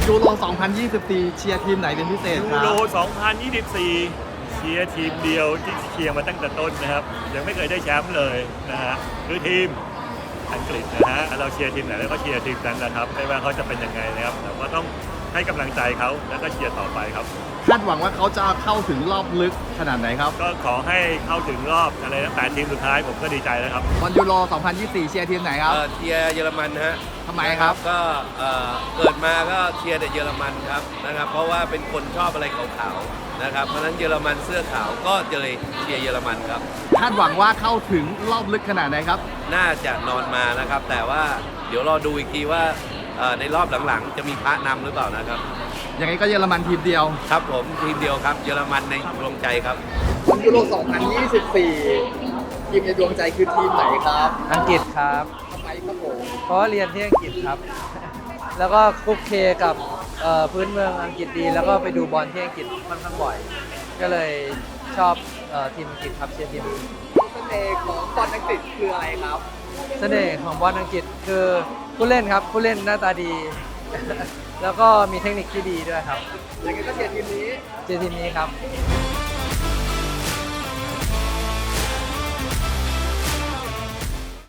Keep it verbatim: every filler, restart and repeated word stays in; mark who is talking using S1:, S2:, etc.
S1: ยูโร สองพันยี่สิบสี่ เชียร์ทีมไหนเป็นพิเศษค
S2: ยู
S1: รับ
S2: โร สองพันยี่สิบสี่ เชียร์ทีมเดียวที่เชียร์มาตั้งแต่ต้นนะครับ ยังไม่เคยได้แชมป์เลยนะฮะคือทีมอังกฤษนะฮะเราเชียร์ทีมไหนแล้วก็เชียร์ทีมนั้นนะครับไม่ว่าเขาจะเป็นยังไงนะครับแต่ว่าต้องให้กำลังใจเขาแล้วก็เชียร์ต่อไปครับ
S1: คาดหวังว่าเขาจะเข้าถึงรอบลึกขนาดไหนครับ
S2: ก็ขอให้เข้าถึงรอบอะไรนะแปดทีมสุดท้ายผมก็ดีใจแล้วครับ
S1: บอลยูโร สองพันยี่สิบสี่ เชียร์ทีมไหนครับ
S3: เอ่อเชียร์เยอรมันฮะ
S1: ทำไมครับ
S3: ก็เอ่อเกิดมาก็เชียร์แต่เยอรมันครับนะครับ เพราะว่าเป็นคนชอบอะไรขาวๆนะครับเพราะฉะนั้นเยอรมันเสื้อขาวก็จะเลยเชียร์เยอรมันครับ
S1: คาดหวังว่าเข้าถึงรอบลึกขนาดไหนครับ
S3: น่าจะนอนมานะครับ แต่ว่าเดี๋ยวรอดูอีกทีว่าเอ่อในรอบหลังๆ จะมีพระนำหรือเปล่านะครับ
S1: ยังไงก็เยอรมันทีมเดียว
S3: ครับผมทีมเดียวครับเยอรมันในดวงใจครับ
S1: บอลยูโร สองพันยี่สิบสี่ ทีมในดวงใจคือทีมไหนครับ
S4: อังกฤษครับ
S1: ทำไมครับผม
S4: เพราะว่าเรียนที่อังกฤษครับ แล้วก็คลุกเคกับเอ่อพื้นเมืองอังกฤษดี แล้วก็ไปดูบอลที่อังกฤษค่อนข้างบ่อย ก็เลยชอบเอ่อทีมอังกฤษครับเชียร์ทีมอังกฤษ
S1: เสน่ห์ของบอลอังกฤษคืออะไรครับ
S4: เสน่ห์ของบอลอังกฤษคือผู้เล่นครับ ผู้เล่นหน้าตาดี แล้วก็มีเทคนิคที่ดีด้วยครับ
S1: ยังไงก็เชียร์ทีมนี้
S4: เชียร์ทีมนี้ครับ